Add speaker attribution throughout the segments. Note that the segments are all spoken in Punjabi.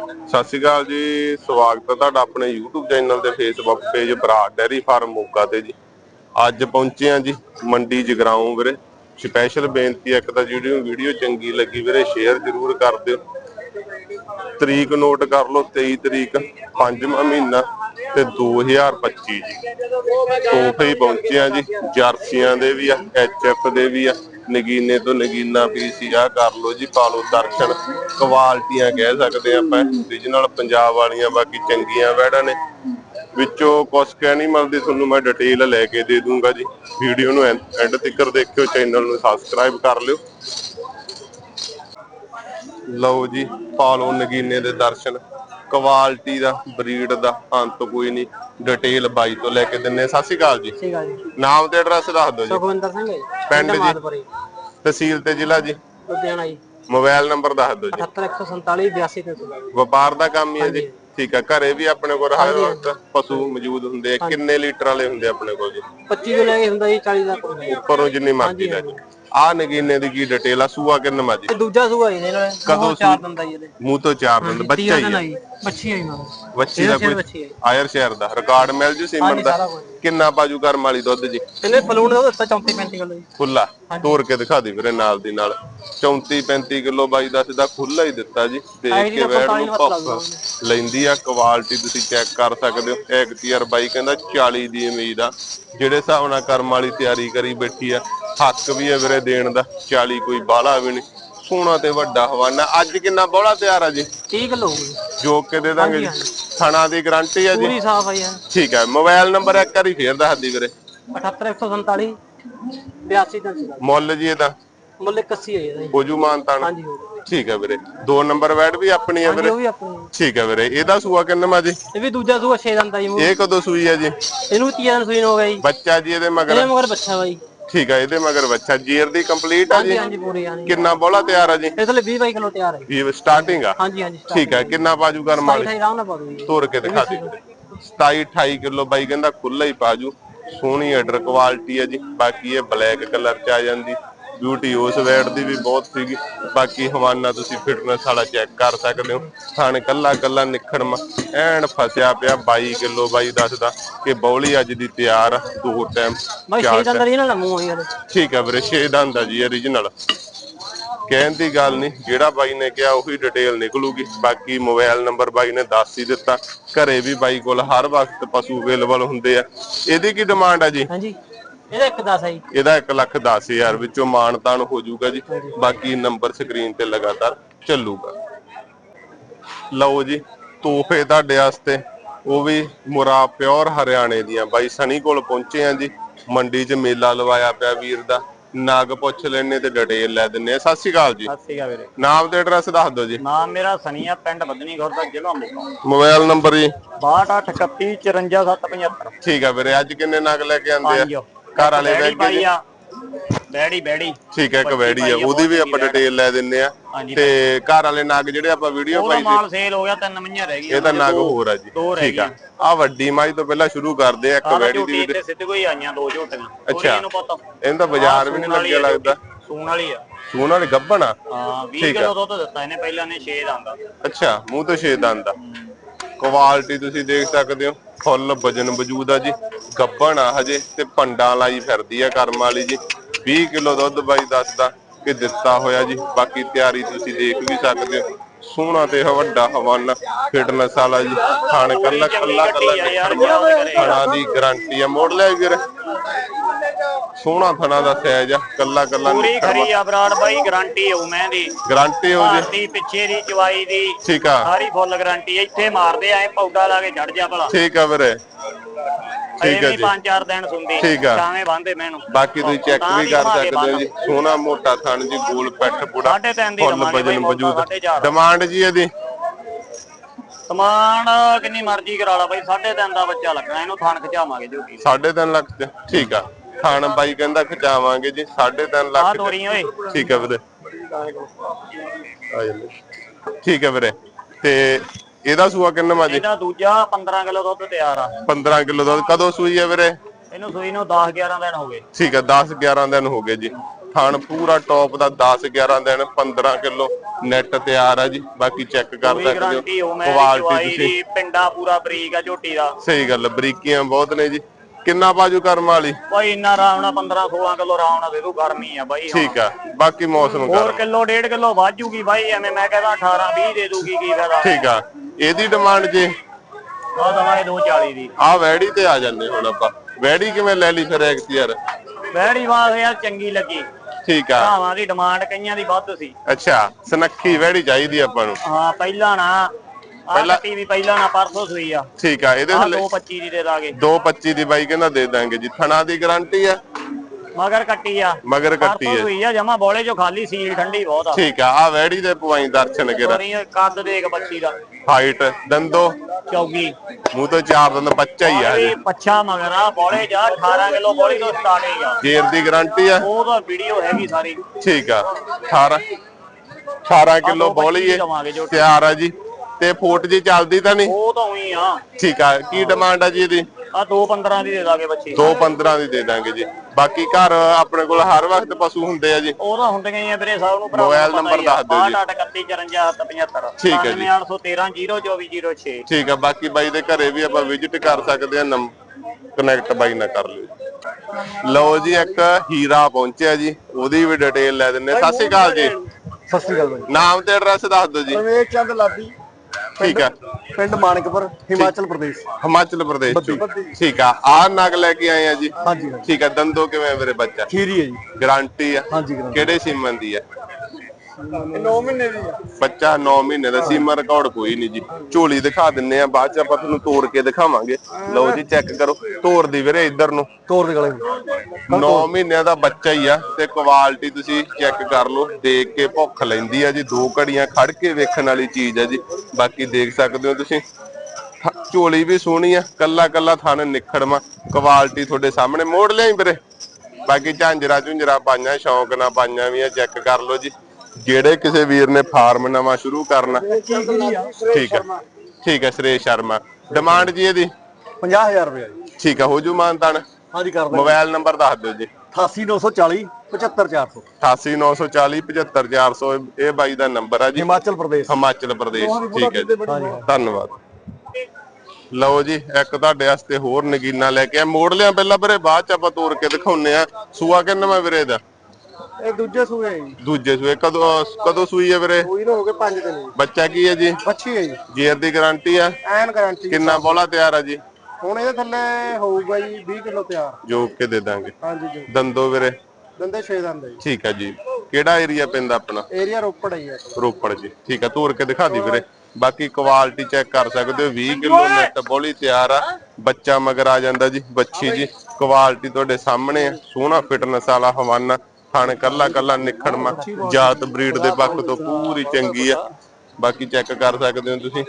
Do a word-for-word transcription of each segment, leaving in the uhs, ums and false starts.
Speaker 1: ਸਤਿ ਸ਼੍ਰੀ ਅਕਾਲ ਜੀ, ਸਵਾਗਤ ਹੈ ਤੁਹਾਡਾ ਆਪਣੇ YouTube ਚੈਨਲ ਤੇ Facebook page Brar dairy farm Moga ਤੇ ਜੀ। ਅੱਜ ਪਹੁੰਚੇ ਆ ਜੀ ਮੰਡੀ ਜਗਰਾਉਂ ਵੀਰੇ। ਸਪੈਸ਼ਲ ਬੇਨਤੀ ਹੈ, ਇੱਕ ਤਾਂ ਜਿਹੜੀ ਵੀਡੀਓ ਚੰਗੀ ਲੱਗੀ ਵੀਰੇ ਸ਼ੇਅਰ ਜ਼ਰੂਰ ਕਰ ਦਿਓ। ਤਰੀਕ ਨੋਟ ਕਰ ਲਓ, ਤੇਈ ਤਰੀਕ ਪੰਜਵਾਂ ਮਹੀਨਾ ਤੇ ਦੋ ਹਜ਼ਾਰ ਪੱਚੀ ਜੀ। ਤੋਹਫੇ ਹੀ ਪਹੁੰਚੇ ਆ ਜੀ, ਜਰਸੀਆਂ ਦੇ ਵੀ ਆ, ਐਚ ਐਫ ਦੇ ਵੀ ਆ, ਨਗੀਨੇ ਤੋਂ ਨਗੀਨਾ ਪੀਸ ਹੀ ਆ ਕਰ ਲਓ ਜੀ, ਪਾ ਲਓ ਦਰਸ਼ਨ। ਕੁਆਲਟੀਆਂ ਕਹਿ ਸਕਦੇ ਆ ਆਪਾਂ, ਓਰੀਜਨਲ ਪੰਜਾਬ ਵਾਲੀਆਂ, ਬਾਕੀ ਚੰਗੀਆਂ ਵੈੜਾਂ ਨੇ। ਵਿੱਚੋਂ ਕੁਛ ਕਹਿ ਨਹੀਂ ਮਿਲਦੀ, ਤੁਹਾਨੂੰ ਮੈਂ ਡਿਟੇਲ ਲੈ ਕੇ ਦੇ ਦੂੰਗਾ ਜੀ। ਵੀਡੀਓ ਨੂੰ ਐਂਡ ਤੱਕ ਦੇਖਿਓ, ਚੈਨਲ ਨੂੰ ਸਬਸਕ੍ਰਾਈਬ ਕਰ ਲਿਓ। ਲਓ ਜੀ, ਪਾ ਲਓ ਨਗੀਨੇ ਦੇ ਦਰਸ਼ਨ। ਕੁਆਲਿਟੀ ਦਾ, ਬਰੀਡ ਦਾ ਅੰਤ ਕੋਈ ਨਹੀਂ। ਡਿਟੇਲ ਬਾਈ ਤੋਂ ਲੈ ਕੇ ਦਿੰਨੇ। ਸਤਿ ਸ਼੍ਰੀ ਅਕਾਲ ਜੀ, ਨਾਮ ਤੇ ਐਡਰੈਸ ਦੱਸ ਦਿਓ ਜੀ।
Speaker 2: ਸੁਖਵਿੰਦਰ ਸਿੰਘ ਜੀ,
Speaker 1: ਪਿੰਡ ਜੀ, ਤਹਿਸੀਲ ਤੇ ਜ਼ਿਲ੍ਹਾ ਜੀ,
Speaker 2: ਲੁਧਿਆਣਾ ਜੀ।
Speaker 1: ਮੋਬਾਈਲ ਨੰਬਰ ਦੱਸ ਦਿਓ ਜੀ।
Speaker 2: ਅਠੱਤਰ ਇੱਕ ਸੌ ਸੰਤਾਲੀ ਬਿਆਸੀ ਤਿੰਨ ਸੌ।
Speaker 1: ਵਪਾਰ ਦਾ ਕੰਮ ਹੀ ਹੈ ਜੀ, ਠੀਕ ਹੈ। ਘਰੇ ਵੀ ਆਪਣੇ ਕੋਲ ਹਰ ਵਕਤ ਪਸ਼ੂ ਮੌਜੂਦ ਹੁੰਦੇ ਆ। ਕਿੰਨੇ ਲੀਟਰ ਵਾਲੇ ਹੁੰਦੇ ਆਪਣੇ ਕੋਲ ਜੀ?
Speaker 2: ਪੱਚੀ ਤੋਂ ਲੈ ਕੇ ਹੁੰਦਾ ਜੀ ਚਾਲੀ ਤੱਕ।
Speaker 1: ਉੱਪਰੋਂ ਜਿੰਨੀ ਮਰਜ਼ੀ ਲੈ ਜੀ। ਆਹ ਨਗੀਨੇ ਦੀ ਕੀ ਡਿਟੇਲ ਆ? ਸੂਆ ਕਿੰਨਾ ਮਾਜੀ?
Speaker 2: ਦੂਜਾ ਸੂਆ ਜੀ ਇਹਦੇ ਨਾਲ।
Speaker 1: ਕਦੋਂ
Speaker 2: ਚਾਰ ਦੰਦ ਆਈ ਇਹਦੇ
Speaker 1: ਮੂੰਹ ਤੋਂ ਚਾਰ ਦੰਦ ਬੱਚਾ ਹੀ ਹੈ?
Speaker 2: ਬੱਚੀ ਆਈ ਮਾਂ
Speaker 1: ਬੱਚੀ ਦਾ ਕੋਈ ਆਇਰ ਸ਼ਹਿਰ ਦਾ ਰਿਕਾਰਡ ਮਿਲ ਜੂ ਸੀਮਨ ਦਾ? ਕਿੰਨਾ ਬਾਜੂ ਕਰਮ ਵਾਲੀ ਦੁੱਧ ਜੀ?
Speaker 2: ਇਹਨੇ ਫਲੂਣ ਦਾ ਦਿੱਤਾ ਚੌਂਤੀ ਪੈਂਤੀ ਕਿਲੋ ਜੀ
Speaker 1: ਖੁੱਲਾ। ਤੋੜ ਕੇ ਦਿਖਾ ਦੀ ਵੀਰੇ ਨਾਲ ਦੀ ਨਾਲ। ਚੌਂਤੀ ਪੈਂਤੀ ਕਿਲੋ ਬਾਈ ਦੱਸਦਾ, ਖੁੱਲਾ ਹੀ ਦਿੱਤਾ ਜੀ। ਦੇਖ ਕੇ ਵੈੜ ਨੂੰ ਭੁੱਖ ਲੈਂਦੀ ਆ। ਕੁਆਲਿਟੀ ਤੁਸੀਂ ਚੈੱਕ ਕਰ ਸਕਦੇ ਹੋ। ਐਕਟੀਆਰ ਬਾਈ ਕਹਿੰਦਾ ਚਾਲੀ ਦੀ ਉਮੀਦ ਆ, ਜਿਹੜੇ ਹਿਸਾਬ ਨਾਲ ਕਰਮ ਵਾਲੀ ਤਿਆਰੀ ਕਰੀ ਬੈਠੀ ਆ। ਹੱਕ ਵੀ ਹੈ ਵੀਰੇ ਦੇਣ ਦਾ, ਚਾਲੀ ਕੋਈ ਬਾਹਲਾ ਵੀ ਨਹੀਂ। ਸੋਹਣਾ ਤੇ ਵੱਡਾ ਹਵਾਨਾ। ਅੱਜ ਕਿੰਨਾ ਬੋਲਾ ਤਿਆਰ ਆ ਜੀ?
Speaker 2: ਤੀਹ ਕਿਲੋ
Speaker 1: ਜੋਕ ਕੇ ਦੇ ਦਾਂਗੇ ਜੀ। ਥਣਾ ਦੀ ਗਾਰੰਟੀ ਆ ਜੀ?
Speaker 2: ਪੂਰੀ ਸਾਫ ਆ ਜੀ।
Speaker 1: ਠੀਕ ਹੈ। ਮੋਬਾਈਲ ਨੰਬਰ ਇੱਕ ਵਾਰੀ ਫੇਰ ਦੱਸ ਦੀ ਵੀਰੇ।
Speaker 2: ਅਠੱਤਰ ਇੱਕ ਸੌ ਸੰਤਾਲੀ ਬਿਆਸੀ ਤਿੰਨ ਸੌ।
Speaker 1: ਮੁੱਲ ਜੀ ਇਹਦਾ?
Speaker 2: ਮੁੱਲ ਇਕੱਸੀ ਹੈ ਜੀ।
Speaker 1: ਹੋਜੂ ਮਾਨਤਾਨ?
Speaker 2: ਹਾਂਜੀ
Speaker 1: ਠੀਕ ਹੈ ਵੀਰੇ। ਦੋ ਨੰਬਰ ਵੈਟ ਵੀ ਆਪਣੀ ਹੈ ਵੀਰੇ?
Speaker 2: ਉਹ ਵੀ ਆਪਣੀ।
Speaker 1: ਠੀਕ ਹੈ ਵੀਰੇ। ਇਹਦਾ ਸੂਆ ਕਿੰਨਾ ਜੀ?
Speaker 2: ਇਹ ਵੀ ਦੂਜਾ ਸੂਆ ਛੇ ਦੰਦ ਆ ਜੀ।
Speaker 1: ਇਹ ਕਦੋਂ ਸੂਈ ਹੈ ਜੀ?
Speaker 2: ਇਹਨੂੰ ਤੀਹ ਦਿਨ ਸੂਈ ਹੋ ਗਿਆ ਜੀ।
Speaker 1: ਬੱਚਾ ਜੀ ਇਹਦੇ ਮਗਰ?
Speaker 2: ਇਹਦੇ ਮਗਰ ਬੱਚਾ ਬਾਈ।
Speaker 1: ਠੀਕ ਹੈ, ਇਹਦੇ ਮਗਰ ਬੱਚਾ। ਜੀਰ ਦੀ ਕੰਪਲੀਟ ਆ ਜੀ?
Speaker 2: ਹਾਂਜੀ ਪੂਰੀ ਆ।
Speaker 1: ਕਿੰਨਾ ਬੋਲਾ ਤਿਆਰ ਆ ਜੀ?
Speaker 2: ਇਹ ਥਲੇ ਵੀਹ ਬਾਈ ਕਿਲੋ ਤਿਆਰ ਹੈ
Speaker 1: ਵੀਹ ਸਟਾਰਟਿੰਗ ਆ?
Speaker 2: ਹਾਂਜੀ ਹਾਂਜੀ।
Speaker 1: ਠੀਕ ਹੈ। ਕਿੰਨਾ ਬਾਜੂ ਕਰਮ ਵਾਲੀ?
Speaker 2: ਅਠਾਈ ਆਰਾਮ ਨਾਲ ਪਾ ਦੂ ਜੀ।
Speaker 1: ਤੋੜ ਕੇ ਦਿਖਾ ਦੇ। ਸਤਾਈ ਅਠਾਈ ਕਿਲੋ ਬਾਈ ਕਹਿੰਦਾ ਖੁੱਲਾ ਹੀ ਪਾਜੂ। ਸੋਹਣੀ ਆਰਡਰ ਕੁਆਲਿਟੀ ਹੈ ਜੀ। ਬਾਕੀ ਇਹ ਬਲੈਕ ਕਲਰ ਚ ਆ ਜਾਂਦੀ। ਬਿਊਟੀ ਉਸ ਵੈੜ ਦੀ ਵੀ ਬਹੁਤ ਸੀਗੀ। ਬਾਕੀ ਹਵਾਨਾ ਤੁਸੀਂ ਫਿਟਨੈਸ ਵਾਲਾ ਚੈੱਕ ਕਰ ਸਕਦੇ ਹੋ। ਥਣ ਕੱਲਾ ਕੱਲਾ ਨਿਖੜਮਾ ਐਨ ਫਸਿਆ ਪਿਆ। ਬਾਈ ਕਿਲੋ ਬਾਈ ਦੱਸਦਾ ਕਿ ਬੌਲੀ ਅੱਜ ਦੀ ਤਿਆਰ ਆ। ਦੋ ਟਾਈਮ ਠੀਕ ਹੈ ਵੀਰੇ। ਛੇ ਦੰਦ ਆ ਜੀ ਓਰੀਜਨਲ। ਕਹਿਣ ਦੀ ਗੱਲ ਨਹੀਂ, ਜਿਹੜਾ ਬਾਈ ਨੇ ਕਿਹਾ ਉਹੀ ਡਿਟੇਲ ਨਿਕਲੂਗੀ। ਬਾਕੀ ਮੋਬਾਈਲ ਨੰਬਰ ਬਾਈ ਨੇ ਦੱਸ ਹੀ ਦਿੱਤਾ। ਘਰੇ ਵੀ ਬਾਈ ਕੋਲ ਹਰ ਵਕਤ ਪਸ਼ੂ ਅਵੇਲੇਬਲ ਹੁੰਦੇ ਆ। ਇਹਦੀ ਕੀ ਡਿਮਾਂਡ ਆ ਜੀ?
Speaker 2: ਹਾਂਜੀ ਇਹਦਾ ਇੱਕ ਦਸ ਹੈ ਜੀ।
Speaker 1: ਇਹਦਾ ਇੱਕ ਲੱਖ ਦਸ ਹਜ਼ਾਰ ਵਿੱਚੋਂ ਮਾਨ ਤਾਨ ਹੋ ਜਾਊਗਾ ਜੀ। ਬਾਕੀ ਨੰਬਰ ਸਕਰੀਨ ਤੇ ਲਗਾਤਾਰ ਚੱਲੂਗਾ। ਲਓ ਜੀ, ਤੋਹਫੇ ਤੁਹਾਡੇ ਵਾਸਤੇ, ਉਹ ਵੀ ਮੁਰਾ ਪਿਓਰ ਹਰਿਆਣੇ ਦੀਆਂ। ਬਾਈ ਸਨੀ ਕੋਲ ਪਹੁੰਚੇ ਆ ਜੀ। ਮੰਡੀ 'ਚ ਮੇਲਾ ਲਵਾਇਆ ਪਿਆ ਵੀਰ ਦਾ। ਨਗ ਪੁੱਛ ਲੈਣੇ ਤੇ ਡਿਟੇਲ ਲੈ ਦਿੰਨੇ ਆ। ਸਤਿ ਸ਼੍ਰੀ ਅਕਾਲ ਜੀ।
Speaker 2: ਸਤਿ ਸ਼੍ਰੀ ਅਕਾਲ ਵੀਰੇ।
Speaker 1: ਨਾਮ ਤੇ ਐਡਰੈਸ ਦੱਸ ਦਿਓ ਜੀ।
Speaker 2: ਨਾਮ ਮੇਰਾ ਸਨੀ ਆ, ਪਿੰਡ ਬੱਧਨੀ ਖੁਰਦ, ਜ਼ਿਲ੍ਹਾ ਮੋਗਾ।
Speaker 1: ਮੋਬਾਈਲ ਨੰਬਰ ਜੀ?
Speaker 2: ਬਾਹਠ ਅੱਠ ਇਕੱਤੀ ਚੁਰੰਜਾ ਸੱਤ ਪਝੱਤਰ।
Speaker 1: ਠੀਕ ਆ ਵੀਰੇ। ਅੱਜ ਕਿੰਨੇ ਨਗ ਲੈ ਕੇ ਆਂਦੇ ਆ? ਘਰ ਵਾਲੇ ਬੈਠ ਗਏ ਆ?
Speaker 2: ਬੈੜੀ ਬੈੜੀ
Speaker 1: ਠੀਕ ਹੈ, ਇੱਕ ਬੈੜੀ ਆ, ਉਹਦੀ ਵੀ ਆਪਾਂ ਡਿਟੇਲ ਲੈ ਦਿੰਨੇ ਆ। ਤੇ ਘਰ ਵਾਲੇ ਨਗ ਜਿਹੜੇ ਆਪਾਂ ਵੀਡੀਓ ਪਾਈ ਸੀ,
Speaker 2: ਮਾਲ ਸੇਲ ਹੋ ਗਿਆ। ਤਿੰਨ ਮਈਆਂ ਰਹਿ ਗਈਆਂ।
Speaker 1: ਇਹ ਤਾਂ ਨਗ ਹੋਰ ਆ ਜੀ। ਠੀਕ ਆ। ਆ ਵੱਡੀ ਮਾਈ ਤੋਂ ਪਹਿਲਾਂ ਸ਼ੁਰੂ ਕਰਦੇ ਆ। ਇੱਕ ਬੈੜੀ ਦੀ
Speaker 2: ਤੇ ਸਿੱਧੇ ਕੋਈ ਆਈਆਂ ਦੋ ਝੋਟੀਆਂ।
Speaker 1: ਅੱਛਾ, ਇਹਨੂੰ ਤਾਂ ਬਾਜ਼ਾਰ ਵੀ ਨਹੀਂ ਲੱਗਿਆ ਲੱਗਦਾ।
Speaker 2: ਸੂਣ ਵਾਲੀ ਆ।
Speaker 1: ਸੂਣ ਵਾਲੀ ਗੱਭਣ ਆ?
Speaker 2: ਹਾਂ, ਵੀਹ ਕਿਲੋ ਦੁੱਧ ਦਿੱਤਾ ਇਹਨੇ ਪਹਿਲਾਂ ਨੇ। ਛੇ ਦੰਦ ਆ। ਅੱਛਾ,
Speaker 1: ਮੂੰਹ ਤੋਂ ਛੇ ਦੰਦ ਆ। ਕੁਆਲਿਟੀ ਤੁਸੀਂ ਦੇਖ ਸਕਦੇ ਹੋ। ਫੁੱਲ ਵਜਨ ਵਜੂਦ ਆ ਜੀ। ਗੱਭਣ ਆ ਹਜੇ ਤੇ ਪੰਡਾਂ ਲਾਈ ਫਿਰਦੀ ਆ ਕਰਮ ਵਾਲੀ ਜੀ। ਵੀਹ ਕਿਲੋ ਦੁੱਧ ਬਾਈ ਦੱਸਦਾ ਕਿ ਦਿੱਤਾ ਹੋਇਆ ਜੀ। ਬਾਕੀ ਤਿਆਰੀ ਤੁਸੀਂ ਦੇਖ ਵੀ ਸਕਦੇ ਹੋ। ਸੋਹਣਾ ਤੇ ਵੱਡਾ ਹਵਾਨਾ, ਫਿਟਨੈਸ ਵਾਲਾ ਜੀ। ਖਾਣ ਕੱਲਾ ਕੱਲਾ ਕੱਲਾ ਦੀ ਗਾਰੰਟੀ ਆ। ਮੋੜ ਲਿਆ ਵੀਰ। ਸੋਹਣਾ ਥਣਾ ਦਾ ਸਾਈਜ਼ ਆ। ਕੱਲਾ ਕੱਲਾ
Speaker 2: ਪੂਰੀ ਖਰੀ ਆ ਬਰਾੜ ਬਾਈ। ਗਾਰੰਟੀ ਹੋਊ ਮੈਂ ਦੀ।
Speaker 1: ਗਾਰੰਟੀ ਹੋ
Speaker 2: ਜੀ। ਪਿੱਛੇ ਦੀ ਚਵਾਈ ਦੀ
Speaker 1: ਠੀਕ ਆ।
Speaker 2: ਸਾਰੀ ਫੁੱਲ ਗਾਰੰਟੀ। ਇੱਥੇ ਮਾਰਦੇ ਆਏ ਪੌਡਾ ਲਾ ਕੇ ਛੱਡ ਜਾ ਭਲਾ।
Speaker 1: ਠੀਕ ਆ ਵੀਰੇ। ਠੀਕ ਹੈ ਜੀ।
Speaker 2: ਪੰਜ ਚਾਰ ਦਿਨ ਸੁੰਦੀ ਛਾਵੇਂ ਬੰਦੇ ਮੈਨੂੰ।
Speaker 1: ਬਾਕੀ ਤੁਸੀਂ ਚੈੱਕ ਵੀ ਕਰ ਸਕਦੇ ਹੋ ਜੀ। ਸੋਹਣਾ ਮੋਟਾ ਥਣ ਜੀ, ਗੋਲ ਪੈਠ ਪੂੜਾ, ਫੁੱਲ ਵਜਨ ਵਜੂਦ। ਡਿਮਾਂਡ ਜੀ ਇਹਦੀ?
Speaker 2: ਸਮਾਨ ਕਿੰਨੀ ਮਰਜ਼ੀ ਕਰਾ ਲਾ ਬਾਈ। ਸਾਢੇ ਤਿੰਨ ਦਾ ਬੱਚਾ ਲੱਗਣਾ। ਇਹਨੂੰ ਥਣ ਖਿਚਾਵਾਂਗੇ ਜੀ।
Speaker 1: ਸਾਢੇ ਤਿੰਨ ਲੱਖ ਚ? ਠੀਕ ਆ। ਥਣ ਬਾਈ ਕਹਿੰਦਾ ਖਿਚਾਵਾਂਗੇ ਜੀ ਸਾਢੇ ਤਿੰਨ ਲੱਖ। ਠੀਕ ਹੈ ਵੀਰੇ। ਠੀਕ ਹੈ ਵੀਰੇ। ਤੇ ਇਹਦਾ ਸੂਆ ਕਿੰਨਾ ਮਾ ਜੀ?
Speaker 2: ਇਹਦਾ ਦੂਜਾ ਪੰਦਰਾਂ ਕਿਲੋ ਦੁੱਧ ਤਿਆਰ ਆ।
Speaker 1: ਪੰਦਰਾਂ ਕਿਲੋ ਦੁੱਧ। ਕਦੋਂ ਸੂਈ ਹੈ ਵੀਰੇ?
Speaker 2: ਇਹਨੂੰ ਸੂਈ ਨੂੰ ਦਸ ਗਿਆਰਾਂ ਦਿਨ ਹੋ ਗਏ।
Speaker 1: ਠੀਕ ਹੈ, ਦਸ ਗਿਆਰਾਂ ਦਿਨ ਹੋ ਗਏ ਜੀ। ਥਣ ਪੂਰਾ ਟੌਪ ਦਾ ਦਸ ਗਿਆਰਾਂ ਦਿਨ ਪੰਦਰਾਂ ਕਿਲੋ ਨੈਟ ਤਿਆਰ ਆ ਜੀ। ਬਾਕੀ ਚੈੱਕ ਕਰ ਸਕਦੇ ਹੋ ਕੁਆਲਿਟੀ ਤੁਸੀਂ।
Speaker 2: ਪਿੰਡਾ ਪੂਰਾ ਬਰੀਕ ਆ ਝੋਟੀ ਦਾ।
Speaker 1: ਸਹੀ ਗੱਲ, ਬਰੀਕੀਆਂ ਬਹੁਤ ਨੇ ਜੀ। ਕਿੰਨਾ ਬਾਜੂ ਕਰਮ ਵਾਲੀ
Speaker 2: ਬਾਈ? ਇੰਨਾ ਰਾਉਣਾ ਪੰਦਰਾਂ ਸੋਲਾਂ ਕਿਲੋ ਰਾਉਣਾ ਦੇ ਦੂ। ਗਰਮੀ ਆ ਬਾਈ।
Speaker 1: ਠੀਕ ਆ, ਬਾਕੀ ਮੌਸਮ
Speaker 2: ਹੋਰ ਕਿਲੋ ਡੇਢ ਕਿਲੋ ਵਾਜੂਗੀ ਬਾਈ। ਐਵੇਂ ਮੈਂ ਕਹਿੰਦਾ ਅਠਾਰਾਂ ਵੀਹ ਦੇ ਦੂਗੀ, ਕੀ ਫਾਇਦਾ।
Speaker 1: ਠੀਕ ਆ, ਇਹਦੀ ਡਿਮਾਂਡ ਜੇ
Speaker 2: ਆ ਦਵਾਂਗੇ ਦੋ ਚਾਲੀ ਦੀ।
Speaker 1: ਆ ਵੈੜੀ ਤੇ ਆ ਜਾਂਦੇ ਹੁਣ ਆਪਾਂ। ਵੈੜੀ ਕਿਵੇਂ ਲੈ ਲਈ ਫਿਰ ਐਕਟ ਯਾਰ?
Speaker 2: ਵੈੜੀ ਵਾਸ ਯਾਰ ਚੰਗੀ ਲੱਗੀ।
Speaker 1: ਠੀਕ ਆ,
Speaker 2: ਭਰਾਵਾਂ ਦੀ ਡਿਮਾਂਡ ਕਈਆਂ ਦੀ ਵੱਧ ਸੀ।
Speaker 1: ਅੱਛਾ, ਸਨੱਖੀ ਵੈੜੀ ਚਾਹੀਦੀ ਆਪਾਂ ਨੂੰ।
Speaker 2: ਹਾਂ, ਪਹਿਲਾਂ ਨਾ ਪਹਿਲਾਂ ਟੀਵੀ ਪਹਿਲਾਂ ਨਾ ਪਰਸੋਂ ਸੂਈ ਆ।
Speaker 1: ਠੀਕ ਆ, ਇਹਦੇ ਥੱਲੇ
Speaker 2: ਦੋ ਪੱਚੀ ਦੀ ਦੇ ਦਾਂਗੇ।
Speaker 1: ਦੋ ਪੱਚੀ ਦੀ ਬਾਈ ਕਹਿੰਦਾ ਦੇ ਦਾਂਗੇ ਜੀ। ਥਣਾ ਦੀ ਗਾਰੰਟੀ ਆ?
Speaker 2: ਮਗਰ ਕੱਟੀ ਆ।
Speaker 1: ਮਗਰ ਕੱਟੀ ਆ
Speaker 2: ਸੂਈ ਆ ਜਮਾ ਬੋਲੇ ਚੋਂ ਖਾਲੀ, ਸੀਲ ਠੰਡੀ ਬਹੁਤ ਆ।
Speaker 1: ਠੀਕ ਆ, ਆ ਵੈੜੀ ਦੇ ਪਵਾਈ ਦਰਸ਼ਨ ਕਰਾ।
Speaker 2: ਕੱਦ ਦੇਖ ਬੱਚੀ ਦਾ।
Speaker 1: ਹਾਈਟ ਦੰਦੋ
Speaker 2: ਚੌਗੀ,
Speaker 1: ਮੂੰਹ ਤੋਂ ਚਾਰ ਦੰਦ ਬੱਚਾ ਹੀ ਆ ਜੀ।
Speaker 2: ਪੱਛਾ ਮਗਰ ਆ ਬੋਲੇ ਜਾ ਅਠਾਰਾਂ ਕਿਲੋ ਬੋਲੀ ਤੋਂ ਸਟਾਰਟਿੰਗ ਆ।
Speaker 1: ਗੇਰ ਦੀ ਗਾਰੰਟੀ ਆ?
Speaker 2: ਉਹਦਾ ਵੀਡੀਓ ਹੈਗੀ ਸਾਰੀ।
Speaker 1: ਠੀਕ ਆ, ਅਠਾਰਾਂ ਅਠਾਰਾਂ ਕਿਲੋ ਬੋਲੀ ਤਿਆਰ ਆ ਜੀ। ਤੇ ਫੋਟ ਜੀ ਚੱਲਦੀ ਤਾਂ ਨਹੀਂ?
Speaker 2: ਉਹ ਤਾਂ ਉਹੀ ਆ।
Speaker 1: ਠੀਕ ਆ, ਕੀ ਡਿਮਾਂਡ ਆ ਜੀ ਇਹਦੀ?
Speaker 2: ਆ ਦੋ ਪੰਦਰਾਂ ਦੀ ਦੇ ਦਾਂਗੇ ਬੱਚੀ।
Speaker 1: ਦੋ ਪੰਦਰਾਂ ਦੀ ਦੇ ਦਾਂਗੇ ਜੀ। ਬਾਕੀ ਘਰ ਆਪਣੇ ਕੋਲ ਹਰ ਵਕਤ ਪਸ਼ੂ ਹੁੰਦੇ ਆ ਜੀ।
Speaker 2: ਉਹ ਤਾਂ ਹੁੰਦੀਆਂ ਹੀ ਆ ਵੀਰੇ, ਸਭ ਨੂੰ।
Speaker 1: ਮੋਬਾਈਲ ਨੰਬਰ ਦੱਸ ਦਿਓ ਜੀ।
Speaker 2: ਅੱਠ ਇਕੱਤੀ ਚੁਰੰਜਾ ਸੱਤ ਪਝੱਤਰ।
Speaker 1: ਠੀਕ ਹੈ ਜੀ।
Speaker 2: ਅੱਠ ਸੌ ਤੇਰਾਂ ਜ਼ੀਰੋ ਚੌਵੀ ਜ਼ੀਰੋ ਛੇ।
Speaker 1: ਠੀਕ ਆ, ਬਾਕੀ ਬਾਈ ਦੇ ਘਰੇ ਵੀ ਆਪਾਂ ਵਿਜ਼ਿਟ ਕਰ ਸਕਦੇ ਆ। ਨੰਬਰ ਕਨੈਕਟ ਬਾਈ ਨਾਲ ਕਰ ਲਿਓ। ਲਓ ਜੀ, ਇੱਕ ਹੀਰਾ ਪਹੁੰਚਿਆ ਜੀ, ਉਹਦੀ ਵੀ ਡਿਟੇਲ ਲੈ ਦਿੰਨੇ। ਸਤਿ ਸ਼੍ਰੀ ਅਕਾਲ ਜੀ।
Speaker 3: ਸਤਿ ਸ਼੍ਰੀ ਅਕਾਲ ਬਾਈ।
Speaker 1: ਨਾਮ ਤੇ ਐਡਰੈਸ ਦੱਸ ਦਿਓ ਜੀ।
Speaker 3: ਰਵੇਸ਼ ਚੰਦ ਲਾਬੀ,
Speaker 1: ਠੀਕ ਆ,
Speaker 3: ਪਿੰਡ ਮਾਨਕਪੁਰ, ਹਿਮਾਚਲ ਪ੍ਰਦੇਸ਼।
Speaker 1: ਹਿਮਾਚਲ ਪ੍ਰਦੇਸ਼ ਚੋਂ। ਠੀਕ ਆ, ਆ ਨਗ ਲੈ ਕੇ ਆਏ ਆ ਜੀ।
Speaker 3: ਹਾਂਜੀ
Speaker 1: ਠੀਕ ਆ, ਦੰਦੋ ਕਿਵੇਂ ਵੀਰੇ ਬੱਚਾ?
Speaker 3: ਖੀਰੀ ਹੈ ਜੀ।
Speaker 1: ਗਾਰੰਟੀ ਆ?
Speaker 3: ਹਾਂਜੀ ਗਾਰੰਟੀ।
Speaker 1: ਕਿਹੜੇ ਸੀਮਨ ਦੀ ਆ?
Speaker 3: ਨੌ ਮਹੀਨੇ ਦੀ ਆ
Speaker 1: ਬੱਚਾ। ਨੌ ਮਹੀਨੇ ਦਾ। ਸੀਮਾ ਰਿਕਾਰਡ ਕੋਈ ਨਹੀਂ ਜੀ। ਝੋਲੀ ਦਿਖਾ ਦਿੰਨੇ ਆ, ਬਾਅਦ ਚ ਆਪਾਂ ਤੁਹਾਨੂੰ ਤੋੜ ਕੇ ਦਿਖਾਵਾਂਗੇ। ਲਓ ਜੀ, ਚੈੱਕ ਕਰੋ। ਤੋੜ ਦੀ ਵੀਰੇ ਇੱਧਰ ਨੂੰ।
Speaker 3: ਤੋਰ ਦੇ ਗਲੇ
Speaker 1: ਨੌ ਮਹੀਨਿਆਂ ਦਾ ਬੱਚਾ ਹੀ ਆ। ਤੇ ਕੁਆਲਿਟੀ ਤੁਸੀਂ ਚੈੱਕ ਕਰ ਲਓ। ਦੇਖ ਕੇ ਭੁੱਖ ਲੈਂਦੀ ਆ ਜੀ। ਦੋ ਘੜੀਆਂ ਖੜ ਕੇ ਵੇਖਣ ਵਾਲੀ ਚੀਜ਼ ਆ ਜੀ। ਬਾਕੀ ਦੇਖ ਸਕਦੇ ਹੋ ਤੁਸੀਂ, ਝੋਲੀ ਵੀ ਸੋਹਣੀ ਆ। ਕੱਲਾ ਕੱਲਾ ਥਣ ਨਿਖੜਵਾ। ਕੁਆਲਿਟੀ ਤੁਹਾਡੇ ਸਾਹਮਣੇ। ਮੋੜ ਲਿਆਈ ਵੀਰੇ। ਬਾਕੀ ਝਾਂਜਰਾ ਝੁੰਜਰਾ ਪਾਈਆਂ, ਸ਼ੌਂਕ ਨਾਲ ਪਾਈਆਂ ਵੀ ਆ। ਚੈੱਕ ਕਰ ਲਓ ਜੀ। ਜਿਹੜੇ ਕਿਸੇ ਵੀਰ ਨੇ ਫਾਰਮ ਨਵਾਂ ਸ਼ੁਰੂ ਕਰਨਾ। ਠੀਕ ਹੈ, ਠੀਕ ਹੈ। ਸੁਰੇਸ਼ ਸ਼ਰਮਾ। ਡਿਮਾਂਡ ਜੀ ਇਹਦੀ
Speaker 3: ਪੰਜਾਹ ਹਜ਼ਾਰ ਰੁਪਏ ਜੀ।
Speaker 1: ਠੀਕ ਹੈ, ਹੋ ਜੂ ਮਾਨਤਾਨ?
Speaker 3: ਹਾਂਜੀ ਕਰ ਦਾਂਗੇ।
Speaker 1: ਮੋਬਾਈਲ ਨੰਬਰ ਦੱਸ ਦਿਓ ਜੀ।
Speaker 3: ਅਠਾਸੀ ਨੌ ਸੌ ਚਾਲੀ ਪਝੱਤਰ ਚਾਰ ਸੌ।
Speaker 1: ਅਠਾਸੀ ਨੌ ਸੌ ਚਾਲੀ ਪਝੱਤਰ ਚਾਰ ਸੌ ਇਹ ਬਾਈ ਦਾ ਨੰਬਰ ਆ ਜੀ।
Speaker 3: ਹਿਮਾਚਲ ਪ੍ਰਦੇਸ਼।
Speaker 1: ਹਿਮਾਚਲ ਪ੍ਰਦੇਸ਼। ਠੀਕ ਹੈ ਜੀ, ਧੰਨਵਾਦ। ਲਓ ਜੀ, ਇੱਕ ਤੁਹਾਡੇ ਵਾਸਤੇ ਹੋਰ ਨਗੀਨਾ ਲੈ ਕੇ ਆ। ਮੋੜ ਲਿਆ ਪਹਿਲਾਂ ਵੀਰੇ, ਬਾਅਦ ਚ ਆਪਾਂ ਤੋੜ ਕੇ ਦਿਖਾਉਨੇ ਆ। ਸੂਆ ਕਿੰਨਾ ਵੀਰੇ ਦਾ?
Speaker 3: ਇਹ ਦੂਜੇ ਸੂਏ ਜੀ।
Speaker 1: ਦੂਜੇ ਸੂਏ। ਕਦੋਂ ਕਦੋਂ ਸੂਈ ਹੈ ਵੀਰੇ?
Speaker 3: ਸੂਈ ਨੂੰ ਹੋ ਗਏ ਪੰਜ ਦਿਨ ਜੀ।
Speaker 1: ਬੱਚਾ ਕੀ ਹੈ ਜੀ?
Speaker 3: ਬੱਚੀ ਹੈ ਜੀ।
Speaker 1: ਜੇਰ ਦੀ ਗਾਰੰਟੀ ਆ?
Speaker 3: ਐਨ ਗਾਰੰਟੀ।
Speaker 1: ਕਿੰਨਾ ਬੋਲਾ ਤਿਆਰ ਆ ਜੀ?
Speaker 3: ਹੁਣ ਇਹਦੇ ਥੱਲੇ ਹੋਊਗਾ ਜੀ ਵੀਹ ਕਿਲੋ ਤਿਆਰ।
Speaker 1: ਜੋਕ ਕੇ ਦੇ ਦਾਂਗੇ।
Speaker 3: ਹਾਂਜੀ ਜੀ।
Speaker 1: ਦੰਦੋ ਵੀਰੇ?
Speaker 3: ਦੰਦੇ ਛੇ ਦੰਦ ਹੈ ਜੀ।
Speaker 1: ਠੀਕ ਹੈ ਜੀ। ਕਿਹੜਾ ਏਰੀਆ ਪੈਂਦਾ ਆਪਣਾ?
Speaker 3: ਏਰੀਆ ਰੋਪੜ ਹੈ ਜੀ।
Speaker 1: ਰੋਪੜ ਜੀ। ਠੀਕ ਆ, ਤੋੜ ਕੇ ਦਿਖਾ ਦੀ ਵੀਰੇ। ਬਾਕੀ ਕੁਆਲਿਟੀ ਚੈੱਕ ਕਰ ਸਕਦੇ ਹੋ। ਵੀਹ ਕਿਲੋ ਨੈਟ ਬੋਲੀ ਤਿਆਰ ਆ। ਬੱਚਾ ਮਗਰ ਆ ਜਾਂਦਾ ਜੀ। ਬੱਚੀ ਜੀ, ਕੁਆਲਿਟੀ ਤੁਹਾਡੇ ਸਾਹਮਣੇ ਆ। ਸੋਹਣਾ ਫਿਟਨੈਸ ਵਾਲਾ ਹਵਾਨਾ। ਥਣ ਕੱਲਾ ਕੱਲਾ ਨਿਖੜਮਾ। ਜਾਤ ਬਰੀਡ ਦੇ ਪੱਖ ਤੋਂ ਪੂਰੀ ਚੰਗੀ ਆ। ਬਾਕੀ ਚੈੱਕ ਕਰ ਸਕਦੇ ਹੋ ਤੁਸੀਂ।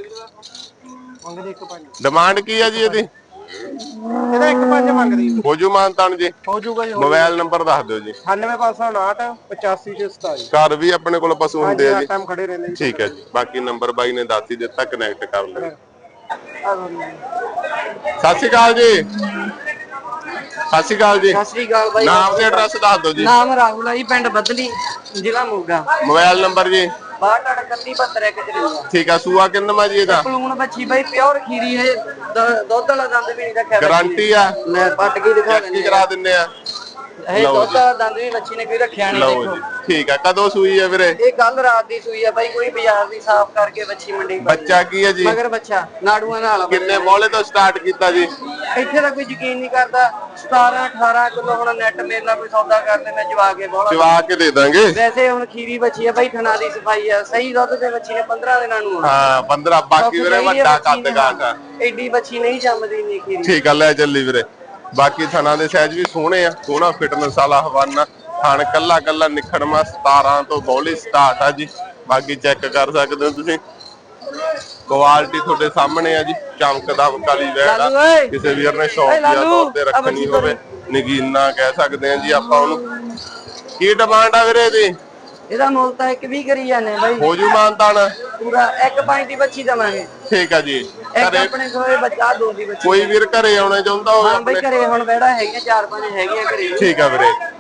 Speaker 1: ਡਿਮਾਂਡ ਕੀ ਆ ਜੀ ਇਹਦੀ?
Speaker 3: ਇਹਦਾ ਇੱਕ ਪੰਜ ਮੰਗਦੀ।
Speaker 1: ਹੋ ਜੂ ਮਾਨਤਾਨ ਜੀ?
Speaker 3: ਹੋ ਜੂਗਾ ਜੀ।
Speaker 1: ਮੋਬਾਈਲ ਨੰਬਰ ਦੱਸ ਦਿਓ ਜੀ।
Speaker 3: ਅਠਾਨਵੇਂ ਪੰਜ ਸੌ ਉਨਾਹਠ ਪਚਾਸੀ ਛੇ ਸਤਾਈ।
Speaker 1: ਘਰ ਵੀ ਆਪਣੇ ਕੋਲ ਪਸ਼ੂ ਹੁੰਦੇ ਆ ਜੀ?
Speaker 3: ਟਾਈਮ ਖੜੇ ਰਹਿੰਦੇ ਜੀ।
Speaker 1: ਠੀਕ ਹੈ ਜੀ। ਬਾਕੀ ਨੰਬਰ ਬਾਈ ਨੇ ਦੱਸ ਹੀ ਦਿੱਤਾ, ਕਨੈਕਟ ਕਰ ਲਿਓ। ਸਤਿ ਸ਼੍ਰੀ ਅਕਾਲ ਜੀ। ਸਤਿ ਸ਼੍ਰੀ ਅਕਾਲ ਜੀ।
Speaker 4: ਸਤਿ ਸ੍ਰੀ ਅਕਾਲ ਬਾਈ।
Speaker 1: ਨਾਮ ਤੇ ਐਡਰੈਸ ਦੱਸ ਦਿਓ ਜੀ।
Speaker 4: ਨਾਮ ਰਾਹੁਲ ਆ ਜੀ, ਪਿੰਡ ਬਦਲੀ, ਜ਼ਿਲ੍ਹਾ ਮੋਗਾ।
Speaker 1: ਮੋਬਾਈਲ ਨੰਬਰ ਜੀ।
Speaker 4: ਬਾਹਠ ਇਕੱਤੀ ਬਹੱਤਰ ਇੱਕ ਚੁਰੰਜਾ।
Speaker 1: ਠੀਕ ਆ, ਸੂਆ ਕਿੰਨਾ ਜੀ ਇਹਦਾ?
Speaker 4: ਪਲੂਣ ਬੱਚੀ ਬਾਈ, ਪਿਓਰ ਖੀਰੀ ਹੈ। ਦ- ਦੁੱਧ ਵਾਲਾ ਦੰਦ ਵੀ ਨਹੀਂ ਰੱਖਿਆ।
Speaker 1: ਗਾਰੰਟੀ ਆ?
Speaker 4: ਲੈ ਪੱਟ ਕੇ ਦਿਖਾ
Speaker 1: ਚੈੱਕ
Speaker 4: ਦਿੰਦੇ
Speaker 1: ਕਰਾ ਦਿੰਨੇ ਆ।
Speaker 4: ਇਹ ਦੁੱਧ ਵਾਲਾ ਦੰਦ ਵੀ ਬੱਚੀ ਨੇ ਕੋਈ ਰੱਖਿਆ ਨਹੀਂ।
Speaker 1: ਲਓ ਜੀ, ਠੀਕ ਆ। ਕਦੋਂ ਸੂਈ ਹੈ ਵੀਰੇ?
Speaker 4: ਇਹ ਕੱਲ ਰਾਤ ਦੀ ਸੂਈ ਆ ਬਾਈ। ਕੋਈ ਬਾਜ਼ਾਰ ਦੀ ਸਾਫ਼ ਕਰਕੇ ਬੱਚੀ ਮੰਡੀ ਪਾ
Speaker 1: ਬੱਚਾ ਕੀ ਹੈ ਜੀ?
Speaker 4: ਮਗਰ ਬੱਚਾ ਨਾੜੂਆਂ ਨਾਲ ਆ।
Speaker 1: ਕਿੰਨੇ ਬੋਲੇ ਤੋਂ ਸਟਾਰਟ ਕੀਤਾ ਜੀ?
Speaker 4: ਇੱਥੇ ਤਾਂ ਕੋਈ ਯਕੀਨ ਨਹੀਂ ਕਰਦਾ। ਸਤਾਰਾਂ ਅਠਾਰਾਂ ਕਿਲੋ ਹੁਣ ਨੈਟ ਮੇਰੇ ਨਾਲ ਕੋਈ ਸੌਦਾ ਕਰਨੇ ਮੈਂ ਜਵਾ ਕੇ ਬੋਲਾ।
Speaker 1: ਜਵਾ ਕੇ ਦੇ ਦਾਂਗੇ।
Speaker 4: ਵੈਸੇ ਹੁਣ ਖੀਰੀ ਬੱਚੀ ਆ ਬਾਈ, ਥਣਾ ਦੀ ਸਫਾਈ ਆ। ਸਹੀ ਦੁੱਧ ਦੇ ਬੱਚੀ ਨੇ ਪੰਦਰਾਂ ਦਿਨਾਂ ਨੂੰ ਆਉਣਾ।
Speaker 1: ਹਾਂ, ਪੰਦਰਾਂ। ਬਾਕੀ ਵੀਰੇ ਵੱਡਾ ਕੱਦ ਕਾਟ ਆ।
Speaker 4: ਐਡੀ ਬੱਚੀ ਨਹੀਂ ਜੰਮਦੀ ਨਹੀਂ ਖੀਰੀ।
Speaker 1: ਠੀਕ ਆ, ਲੈ ਚੱਲੀ ਵੀਰੇ। ਬਾਕੀ ਥਣਾ ਦੇ ਸਾਈਜ਼ ਵੀ ਸੋਹਣੇ ਆ। ਸੋਹਣਾ ਫਿਟਨੈਸ ਵਾਲਾ ਹਵਾਨਾ। ਥਣ ਕੱਲਾ ਕੱਲਾ ਨਿਖੜਮਾ। ਸਤਾਰਾਂ ਤੋਂ ਬੋਲੀ ਸਟਾਰਟ ਆ ਜੀ। ਬਾਕੀ ਚੈੱਕ ਕਰ ਸਕਦੇ ਹੋ ਤੁਸੀਂ। ਕੁਆਲਿਟੀ ਤੁਹਾਡੇ ਸਾਹਮਣੇ ਆ ਜੀ। ਚਮਕਦਾ ਕਾਲੀ ਵੈੜ ਆ। ਕਿਸੇ ਵੀਰ ਨੇ ਸ਼ੌਕੀਆ ਤੌਰ ਤੇ ਰੱਖਣੀ ਹੋਵੇ, ਨਗੀਨਾ ਕਹਿ ਸਕਦੇ ਆ ਜੀ ਆਪਾਂ ਉਹਨੂੰ। ਕੀ ਡਿਮਾਂਡ ਆ ਵੀਰੇ ਇਹਦੀ?
Speaker 4: ਇਹਦਾ ਮੁੱਲ ਤਾਂ ਇੱਕ ਵੀ ਕਰੀ ਜਾਂਦੇ ਬਾਈ।
Speaker 1: ਹੋ ਜੂ ਮਾਨਤਾਨ?
Speaker 4: ਪੂਰਾ ਇੱਕ ਪੰਜ ਦੀ ਬੱਚੀ ਦਵਾਂਗੇ।
Speaker 1: ਠੀਕ ਆ ਜੀ।
Speaker 4: ਇੱਕ ਆਪਣੇ ਕੋਲੇ ਬੱਚਾ ਦੋ ਦੀ ਬੱਚੀ।
Speaker 1: ਕੋਈ ਵੀਰ ਘਰੇ ਆਉਣਾ ਚਾਹੁੰਦਾ ਹੋਵੇ
Speaker 4: ਹਾਂ ਬਾਈ, ਘਰੇ ਹੁਣ ਬੈੜਾ ਹੈਗੀਆਂ ਚਾਰ ਪੰਜ ਹੈਗੀਆਂ ਘਰੇ।
Speaker 1: ਠੀਕ ਆ ਵੀਰੇ।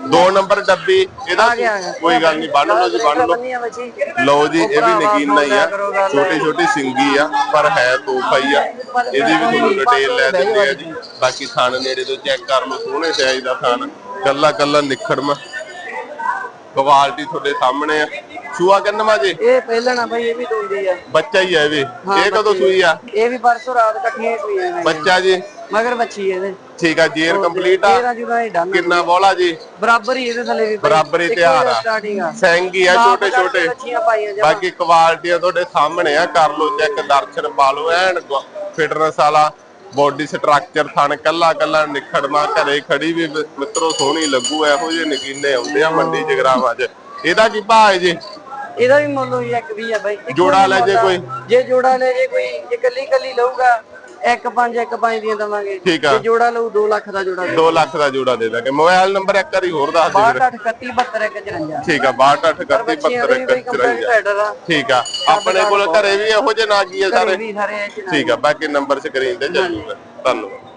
Speaker 1: ਦੋ ਨੰਬਰ ਡੱਬੀ ਇਹਦਾ
Speaker 4: ਆ ਗਿਆ, ਆ ਗਿਆ।
Speaker 1: ਕੋਈ ਗੱਲ ਨਹੀਂ, ਬੰਨ ਲਓ ਜੀ, ਬੰਨ ਲਓ।
Speaker 4: ਬੰਨੀਆਂ ਬੱਚੀ
Speaker 1: ਲਓ ਜੀ, ਇਹ ਵੀ ਨਗੀਨਾ ਹੀ ਆ, ਛੋਟੀ ਛੋਟੀ ਸਿੰਗੀ ਆ ਪਰ ਹੈ ਤੋਹਫਾ ਹੀ ਆ। ਇਹਦੀ ਵੀ ਤੁਹਾਨੂੰ ਡਿਟੇਲ ਲੈ ਦਿੰਦੇ ਆ ਜੀ। ਬਾਕੀ ਥਣ ਨੇੜੇ ਤੋਂ ਚੈੱਕ ਕਰ ਲਓ, ਸੋਹਣੇ ਸਾਈਜ਼ ਦਾ ਥਣ, ਕੱਲਾ ਕੱਲਾ ਨਿਖੜਮਾ, ਕੁਆਲਿਟੀ ਤੁਹਾਡੇ ਸਾਹਮਣੇ ਆ। ਸੂਆ ਕਿੰਨਵਾਂ ਜੀ?
Speaker 4: ਇਹ ਪਹਿਲਾਂ ਨਾ ਬਾਈ, ਇਹ ਵੀ ਦੋਂਦੀ ਆ,
Speaker 1: ਬੱਚਾ ਹੀ ਆ ਇਹ ਵੀ। ਇਹ ਕਦੋਂ
Speaker 4: ਬੱਚੀ
Speaker 1: ਸੂਈ ਆ?
Speaker 4: ਇਹ ਵੀ ਪਰਸੋਂ ਰਾਤ ਇਕੱਠੀਆਂ ਸੂਈ ਆ
Speaker 1: ਬੱਚਾ ਜੀ
Speaker 4: ਮਗਰ ਬੱਚੀ ਇਹਦੇ।
Speaker 1: ਠੀਕ ਆ, ਜੇਰ ਕੰਪਲੀਟ ਆ।
Speaker 4: ਤੇਰਾਂ ਜੁਦਾ ਹੀ ਡਨ।
Speaker 1: ਕਿੰਨਾ ਬੋਲਾ ਜੀ?
Speaker 4: ਬਰਾਬਰ ਹੀ ਇਹਦੇ ਥੱਲੇ ਵੀ ਬਾਈ,
Speaker 1: ਬਰਾਬਰ ਹੀ ਤਿਆਰ ਆ,
Speaker 4: ਸਟਾਰਟਿੰਗ ਆ,
Speaker 1: ਸੈਂਗੀ ਆ ਛੋਟੇ ਛੋਟੇ।
Speaker 4: ਬੱਚੀਆਂ ਪਾਈਆਂ ਜਮਾਂ।
Speaker 1: ਬਾਕੀ ਕੁਆਲਿਟੀਆਂ ਤੁਹਾਡੇ ਸਾਹਮਣੇ ਆ, ਕਰ ਲਓ ਚੈੱਕ, ਦਰਸ਼ਨ ਪਾ ਲਓ, ਐਨ ਫਿਟਨੈਸ ਵਾਲਾ ਬੋਡੀ ਸਟਰਕਚਰ, ਥਣ ਕੱਲਾ ਕੱਲਾ ਨਿਖੜਮਾ, ਘਰੇ ਖੜੀ ਵੀ ਮਿੱਤਰੋ ਸੋਹਣੀ ਲੱਗੂ। ਇਹੋ ਜਿਹੇ ਨਗੀਨੇ ਆਉਂਦੇ ਆ ਮੰਡੀ ਜਗਰਾਵਾਂ 'ਚ। ਇਹਦਾ ਕੀ ਭਾਅ ਹੈ ਜੀ?
Speaker 4: ਇਹਦਾ ਵੀ ਮੁੱਲ ਹੋਈ ਇੱਕ ਵੀਹ ਆ ਬਾਈ। ਇੱਕੋ
Speaker 1: ਜੋੜਾ ਲੈ ਜੇ ਕੋਈ?
Speaker 4: ਜੇ ਜੋੜਾ ਲੈ ਜੇ ਕੋਈ, ਜੇ ਕੱਲੀ ਕੱਲੀ ਲਊਗਾ ਇੱਕ ਪੰਜ ਇੱਕ ਪੰਜ ਦੀਆਂ ਦਵਾਂਗੇ।
Speaker 1: ਠੀਕ ਆ।
Speaker 4: ਜੇ ਜੋੜਾ ਲਊ ਦੋ ਲੱਖ ਦਾ ਜੋੜਾ ਦੇ
Speaker 1: ਦੋ ਲੱਖ ਦਾ ਜੋੜਾ ਦੇ ਦਾਂਗੇ। ਮੋਬਾਈਲ ਨੰਬਰ ਇੱਕ ਵਾਰੀ ਹੋਰ ਦੱਸ ਦਿਓ ਵੀਰੇ।
Speaker 4: ਬਾਹਠ ਇਕੱਤੀ ਬਹੱਤਰ ਇੱਕ ਚੁਰੰਜਾ।
Speaker 1: ਠੀਕ ਆ, ਬਾਹਠ ਅੱਠ ਇਕੱਤੀ ਬਹੱਤਰ ਇੱਕ ਚੁਰੰਜਾ। ਠੀਕ ਆ, ਆਪਣੇ ਕੋਲ ਘਰੇ ਵੀ ਇਹੋ ਜਿਹੇ ਨਾਗੀ ਆ ਸਾਰੇ।
Speaker 4: ਵੀ ਸਾਰੇ ਇਹ ਚ
Speaker 1: ਠੀਕ ਆ, ਬਾਕੀ ਨੰਬਰ ਸਕਰੀਨ ਤੇ ਚੱਲੂਗਾ। ਧੰਨਵਾਦ।